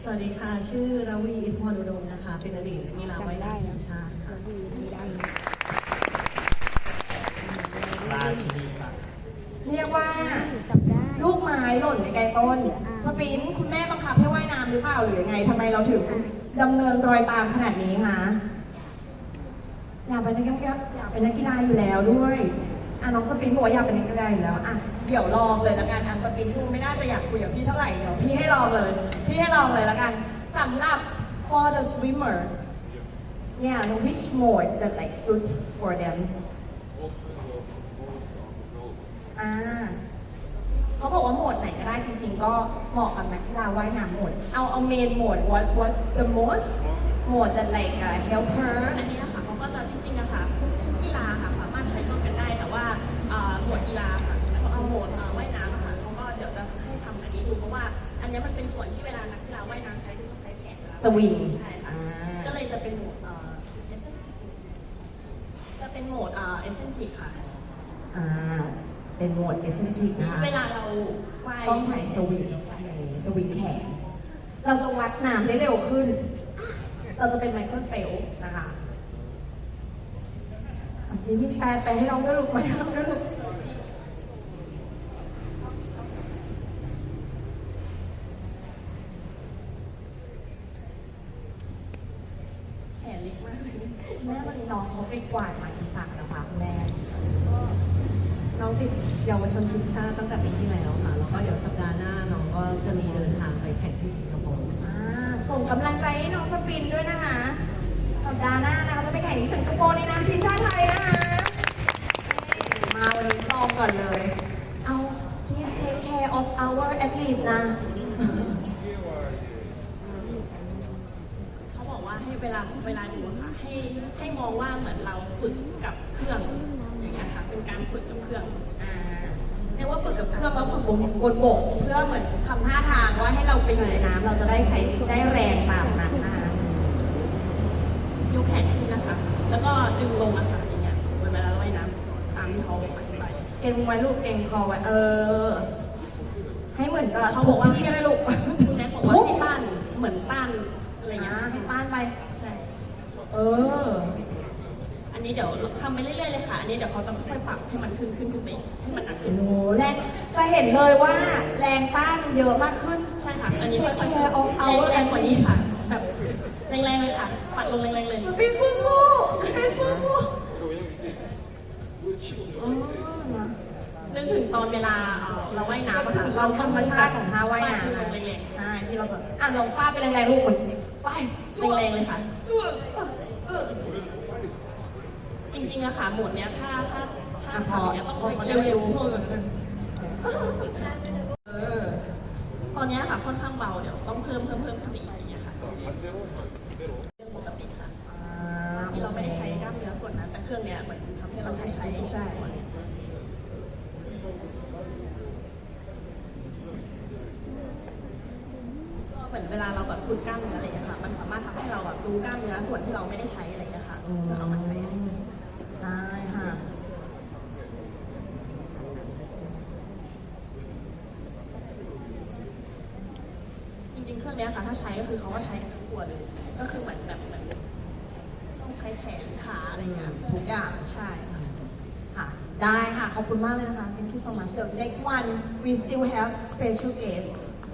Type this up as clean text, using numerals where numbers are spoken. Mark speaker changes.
Speaker 1: สวัสดีค่ะ ชื่อราวีอิทธิพรอุดมนะคะ เป็นอดีตนักกีฬาว่ายน้ำทีมชาติค่ะ
Speaker 2: ราชินีสัตว์
Speaker 3: เรียกว่าลูกไม้หล่นในไกลต้นสปินคุณแม่บังคับให้ว่ายน้ำหรือเปล่าหรือยังไงทำไมเราถึงดำเนินรอยตามขนาดนี้คะอยากเป็นนักกีฬาอยู่แล้วด้วยน้องสปินบอกว่าอยากเป็นนักกีฬาอยู่แล้วเดี๋ยวลองเลยละกันสปินดูไม่น่าจะอยากคุยกับพี่เท่าไหร่เดี๋ยวพี่ให้ลองเลยละกันสำหรับ for the swimmer which mode that like suit for them เขาบอกว่าโหมดไหนก็ได้จริงๆก็เหมาะกับนักกีฬาว่ายน้ำโหมดเอาเมนโหมด what the most mode that like help her
Speaker 4: อันนี้ค่ะเขาก็จะจริงๆนะคะทุกกีฬาค่ะสามารถใช้ร่วมกันได้แต่ว่าหมวดกีฬาค่ะเอาหมวดว่ายน้ำค่ะเขาก็เดี๋ยวจะให้ทำอันนี้ดูเพราะว่าอันนี้มันเป็นส่วนที่เวลานักกีฬาว่ายน้ำใช้ต้องใช้แขน
Speaker 3: สวิง
Speaker 4: ใช่ค่ะก็เลยจะเป็นโหมดจะเป็นโหมดเอเซนติกค่ะ
Speaker 3: เป็นโหมด eccentric นะคะ
Speaker 4: เวลาเราว่าย
Speaker 3: ต้องใช้สวิงแขนเราจะวัดน้ำได้เร็วขึ้น เราจะเป็นไมเคิลเฟลป์นะคะนี่มีแปลไปให้น้องด้วยลูกไหมน้องด้วยลูก
Speaker 4: แขนเล็กมากเลย
Speaker 3: แม่วันนี้น้องเขาไปกวาดหมายสารนะคะคุณแม่
Speaker 1: น้องติดเยาวชนทีมชาติตั้งแต่ปีที่แล้วค่ะ แล้วก็เดี๋ยวสัปดาห์หน้าน้องก็จะมีเดินทางไปแข่งที่สิงคโปร์
Speaker 3: ส่งกำลังใจให้น้องสปินด้วยนะคะ สัปดาห์หน้านะคะจะไปแข่งที่สิงคโปร์ในนามทีมชาติไทยนะคะมาวันนี้ลองก่อนเลย please take care of our athlete นะ
Speaker 4: เขาบอกว่าให้เวลาดูค่ะให้มองว่าเหมือนเราฝึกกับเครื่องอย่างเงี้ยค่ะเป็นการฝึกกับเครื่อง
Speaker 3: เรียกว่าฝึกกับเครื่องแล้วฝึกบนบกเพื่อเหมือนทำท่าทางว่าให้เราไปอยู่ในน้ำเราจะได้ใช้ได้แรงตามนั้นนะคะ
Speaker 4: ยกแขนขึ้นนะคะ แล้วก็ดึงลงนะคะอย่างเงี้ยเวลาเราว่ายน้ำตามที่เขาอธิบาย
Speaker 3: เก่งไว้ลูกเก่งคอไว้ให้เหมือนจะทุบพี่ก็ได้ลูก
Speaker 4: คุณแม่บอกว่าให้ต้านเหมือนต้านอะไรเงี้ย
Speaker 3: ให้ต้านไป
Speaker 4: ใช่ อันนี้เดี๋ยวทำไปเรื่อยๆเลยค่ะ อันนี้เดี๋ยวเขาจะค่อยๆปรับให้มันขึ้นไปให้มันหนักขึ้น
Speaker 3: โอ้แรงจะเห็นเลยว่าแรงต้านเยอะมากขึ้น
Speaker 4: ใช่ค่ะ อันนี้ค่อย
Speaker 3: Take care of our
Speaker 4: แรงกว่านี้ค่ะ แบบแรงๆเลยค่ะ ปัดลงแรงๆเลย
Speaker 3: เป็นสู้เป็นสู้
Speaker 4: นึกถึงตอนเวลาเราว่ายน้ำอะค่ะ
Speaker 3: เราธรรมชาติของท่าว่ายน้ำ
Speaker 4: ลงแรง
Speaker 3: ใช่ที่เราจะลองฟาดไปแรงๆลูกเหมือนไป
Speaker 4: ๆแรงๆเลยค่ะ จริงๆอะค่ะหมวดเนี้ยถ้าทำเนี้ยต้องเร็วๆตอนเนี้ยค่ะค่อนข้างเบาเดี๋ยวต้องเพิ่มขึ้นไปอีกอย่างเงี้ยค่ะเรื่องปกติค่ะที่เราไม่ได้ใช้กล้ามเนื้อส่วนนั้นแต่เครื่องเนี้ยเหมือนทำให้เราใช้ส่วนเหมือนเวลาเราแบบฝึกกล้ามเนื้ออะไรอย่างเงี้ยค่ะมันสามารถทำให้เราแบบรู้กล้ามเนื้อส่วนที่เราไม่ได้ใช้อะไรอย่างเงี้ยค่ะเอามาใช้
Speaker 3: ได้ค่ะ
Speaker 4: จริงๆเครื่องเนี้ยค่ะถ้าใช้ก็คือเขาก็ใช้ทั้งตัวเลยก็คือเหมือนต้องใช้แขนขาอะไรเงี้ย
Speaker 3: ทุกอย่าง
Speaker 4: ใช่ค่ะ
Speaker 3: ค่ะได้ค่ะขอบคุณมากเลยนะคะ thank you so much the next one we still have special guest